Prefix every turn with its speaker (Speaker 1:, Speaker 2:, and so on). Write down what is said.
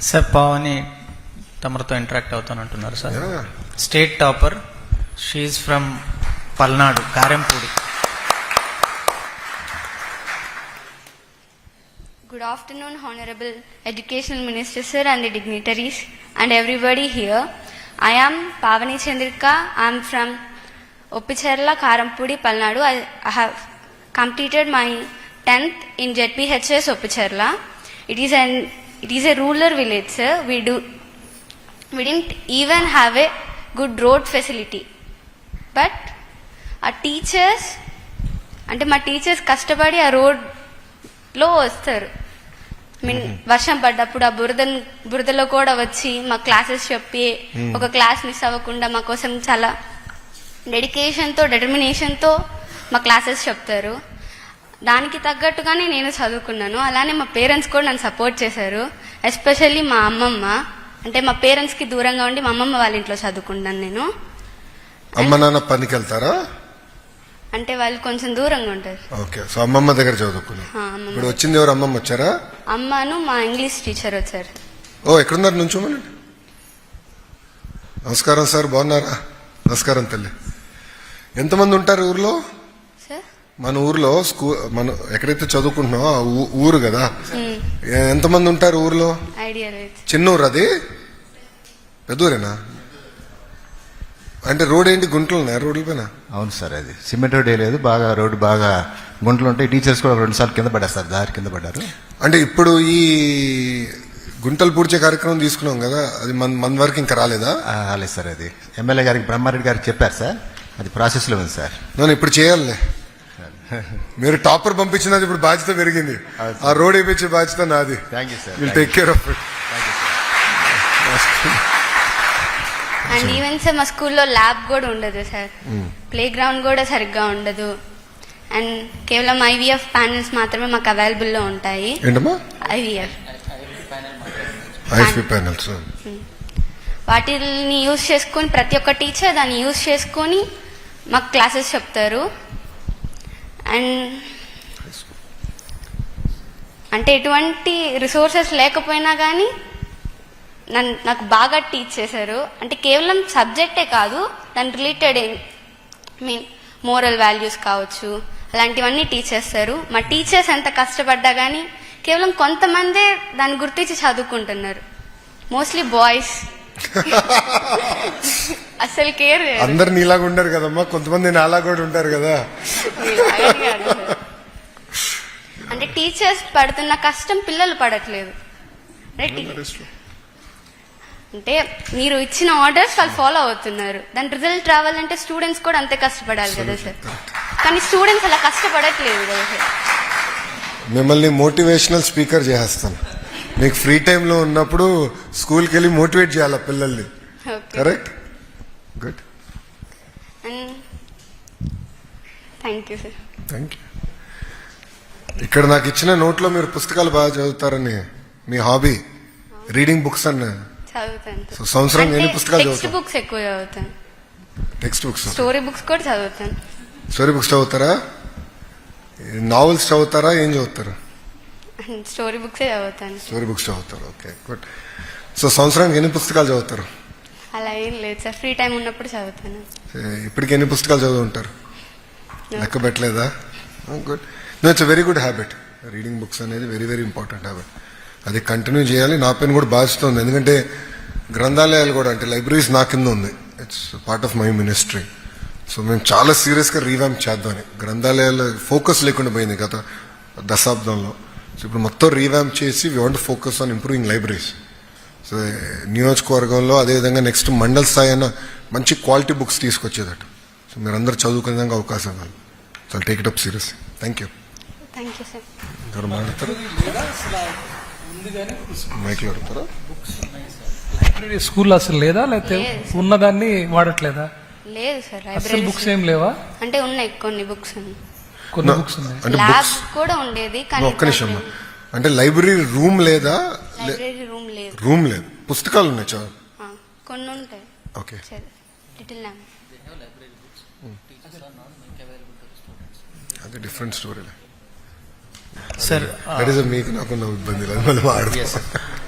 Speaker 1: Sir Pavani తమరితో interact అవుతానంటున్నారు sir. State topper, she from Palnadu, Karempudi.
Speaker 2: Good afternoon, Honorable Educational Minister Sir and the dignitaries and everybody here. I am Pavani Chandrika. I am from Oppicherla, Karampudi, Palnadu. I have completed my 10th in ZPHS Oppicherla. It is a rural village, sir. We didn't even have a good road facility. But our teachers, అంటే మా teachers కష్టపడి ఆ రోడ్లో వస్తారు. వర్షం పడ్డప్పుడు ఆ బురదలో కూడా వచ్చి మా క్లాసెస్ చెప్పి ఒక క్లాస్ మిస్ అవ్వకుండా మా కోసం చాలా డెడికేషన్తో డిటర్మినేషన్తో మా క్లాసెస్ చెప్తారు. దానికి తగ్గట్టుగానే నేను చదువుకున్నాను. అలానే మా పేరెంట్స్ కూడా నన్ను సపోర్ట్ చేశారు. ఎస్పెషల్లీ మా అమ్మమ్మ, అంటే మా పేరెంట్స్కి దూరంగా ఉండి మా అమ్మమ్మ వాళ్ళ ఇంట్లో చదువుకున్నాను నేను.
Speaker 3: అమ్మ నాన్న పనికి వెళ్తారా?
Speaker 2: అంటే వాళ్ళు కొంచెం దూరంగా ఉంటారు.
Speaker 3: ఓకే, సో అమ్మమ్మ దగ్గర చదువుకున్నా. ఇప్పుడు వచ్చింది ఎవరు? అమ్మమ్మ వచ్చారా?
Speaker 2: అమ్మను మా ఇంగ్లీష్ టీచర్ వచ్చారు.
Speaker 3: ఓ, ఎక్కడున్నారు? నుంచోమని. నమస్కారం సార్, బాగున్నారా? నమస్కారం తల్లి. ఎంతమంది ఉంటారు ఊర్లో? మన ఊర్లో మనం ఎక్కడైతే చదువుకుంటున్నామో ఆ ఊరు కదా, ఎంతమంది ఉంటారు ఊర్లో?
Speaker 2: ఐడియా లేదు.
Speaker 3: చిన్న ఊరు అది? పెద్దూరేనా? అంటే రోడ్ ఏంటి, గుంటలు ఉన్నాయా రోడ్ల పైన?
Speaker 4: అవును సార్, అది సిమెంట్ రోడ్ లేదు, బాగా రోడ్డు బాగా గుంటలు ఉంటాయి. టీచర్స్ కూడా 2 సార్లు కింద పడ్డారు సార్, దారి కింద పడ్డారు. అంటే
Speaker 3: ఇప్పుడు ఈ గుంటలు పూడ్చే కార్యక్రమం తీసుకున్నాం కదా, అది మన వరకు ఇంకా రాలేదా?
Speaker 4: రాలేదు సార్, అది ఎమ్మెల్యే గారికి బ్రహ్మారెడ్డి గారికి చెప్పారు సార్, అది ప్రాసెస్లో ఉంది సార్.
Speaker 3: నేను ఇప్పుడు చేయాలి. మీరు టాపర్ పంపించినది ఇప్పుడు బాధ్యత పెరిగింది. ఆ రోడ్ వేయించే బాధ్యత నాది.
Speaker 4: Thank you sir.
Speaker 3: Will take care of it.
Speaker 2: And even sir మా స్కూల్లో ల్యాబ్ కూడా ఉండదు సార్, ప్లే గ్రౌండ్ కూడా సరిగ్గా ఉండదు. అండ్ కేవలం ఐవీఎఫ్ ప్యానెల్స్ మాత్రమే మాకు అవైలబుల్లో ఉంటాయి.
Speaker 3: ఏంటమ్మా?
Speaker 2: IVF
Speaker 3: panels.
Speaker 2: వాటిని యూజ్ చేసుకొని ప్రతి ఒక్క టీచర్ దాన్ని యూజ్ చేసుకొని మాకు క్లాసెస్ చెప్తారు. అండ్ అంటే ఎటువంటి రిసోర్సెస్ లేకపోయినా కానీ నాకు బాగా టీచ్ చేశారు. అంటే కేవలం సబ్జెక్టే కాదు, దాని రిలేటెడ్ మోరల్ వాల్యూస్ కావచ్చు, అలాంటివన్నీ టీచ్ చేస్తారు. మా టీచర్స్ ఎంత కష్టపడ్డా కానీ కేవలం కొంతమందే దాన్ని గుర్తించి చదువుకుంటున్నారు. మోస్ట్లీ బాయ్స్ అసలు కేర్.
Speaker 3: అందరు నీలాగా ఉండరు కదమ్మా, కొంతమంది నాలా కూడా ఉంటారు కదా.
Speaker 2: అంటే టీచర్స్ పడుతున్న కష్టం పిల్లలు పడట్లేదు. అంటే మీరు ఇచ్చిన ఆర్డర్స్ వాళ్ళు ఫాలో అవుతున్నారు, దాని రిజల్ట్ రావాలంటే స్టూడెంట్స్ కూడా అంతే కష్టపడాలి కదా సార్. కానీ స్టూడెంట్స్ అలా కష్టపడట్లేదు కదా సార్.
Speaker 3: మిమ్మల్ని మోటివేషనల్ స్పీకర్ చేస్తాను. మీకు ఫ్రీ టైంలో ఉన్నప్పుడు స్కూల్కి వెళ్ళి మోటివేట్ చేయాలి పిల్లల్ని. Correct? Good.
Speaker 2: Thank you sir.
Speaker 3: Thank you. ఇక్కడ నాకు ఇచ్చిన నోట్లో మీరు పుస్తకాలు బాగా చదువుతారని, మీ హాబీ రీడింగ్ బుక్స్ అన్న
Speaker 2: చదువుతాను.
Speaker 3: సంవత్సరం ఎన్ని పుస్తకాలు చదువుతారు?
Speaker 2: టెక్స్ట్ బుక్స్ ఎక్కువ చదువుతాను.
Speaker 3: టెక్స్ట్ బుక్స్,
Speaker 2: స్టోరీ బుక్స్ కూడా చదువుతాను.
Speaker 3: స్టోరీ బుక్స్ చదువుతారా? నావెల్స్ చదువుతారా? ఏం చదువుతారు?
Speaker 2: స్టోరీ బుక్స్ చదువుతాను.
Speaker 3: స్టోరీ బుక్స్ చదువుతారు. Okay, good. సో సంవత్సరానికి ఎన్ని పుస్తకాలు చదువుతారు?
Speaker 2: అలా ఏం లేదు సార్, ఫ్రీ టైం ఉన్నప్పుడు చదువుతాను.
Speaker 3: ఇప్పటికి ఎన్ని పుస్తకాలు చదువుంటారు? లెక్క పెట్టలేదా? Good. No, it's very good habit. Reading books అనేది వెరీ వెరీ ఇంపార్టెంట్ హ్యాబిట్. అది కంటిన్యూ చేయాలి. నా పైన కూడా బాధ్యత ఉంది, ఎందుకంటే గ్రంథాలయాలు కూడా, అంటే లైబ్రరీస్ నా కింద ఉంది. It's part of my ministry. So మేము చాలా సీరియస్గా రీవ్యాంప్ చేద్దామని. గ్రంథాలయాల్లో ఫోకస్ లేకుండా పోయింది గత దశాబ్దంలో. సో ఇప్పుడు మొత్తం రీవ్యాంప్ చేసి we want focus on improving libraries. So నియోజకవర్గంలో అదేవిధంగా నెక్స్ట్ మండల్ స్థాయి అయినా మంచి క్వాలిటీ బుక్స్ తీసుకొచ్చేదట. సో మీరందరూ చదువుకునే విధంగా అవకాశం కాదు. So take it up serious. Thank you.
Speaker 2: Thank you sir.
Speaker 3: ఎవరు మాట్లాడతారు? మైక్లో అడుగుతారా?
Speaker 5: లైబ్రరీ స్కూల్లో అసలు లేదా, లేకపోతే ఉన్నదాన్ని వాడట్లేదా?
Speaker 2: లేదు సార్,
Speaker 5: అసలు బుక్స్ ఏం లేవా?
Speaker 2: అంటే ఉన్నాయి కొన్ని బుక్స్,
Speaker 5: కొన్ని బుక్స్ ఉన్నాయి.
Speaker 2: ల్యాబ్ కూడా ఉండేది కానీ.
Speaker 3: ఒక్క నిమిషం, అంటే లైబ్రరీ రూమ్ లేదా?
Speaker 2: లైబ్రరీ రూమ్ లేదు.
Speaker 3: రూమ్ లేదు, పుస్తకాలు ఉన్నాయి చాలా,
Speaker 2: కొన్ని ఉంటాయి.
Speaker 3: Okay,
Speaker 2: little lamb.
Speaker 3: అది డిఫరెంట్ స్టోరీ
Speaker 1: సార్.
Speaker 3: మీకు నాకున్న ఇబ్బంది లేదు, మళ్ళీ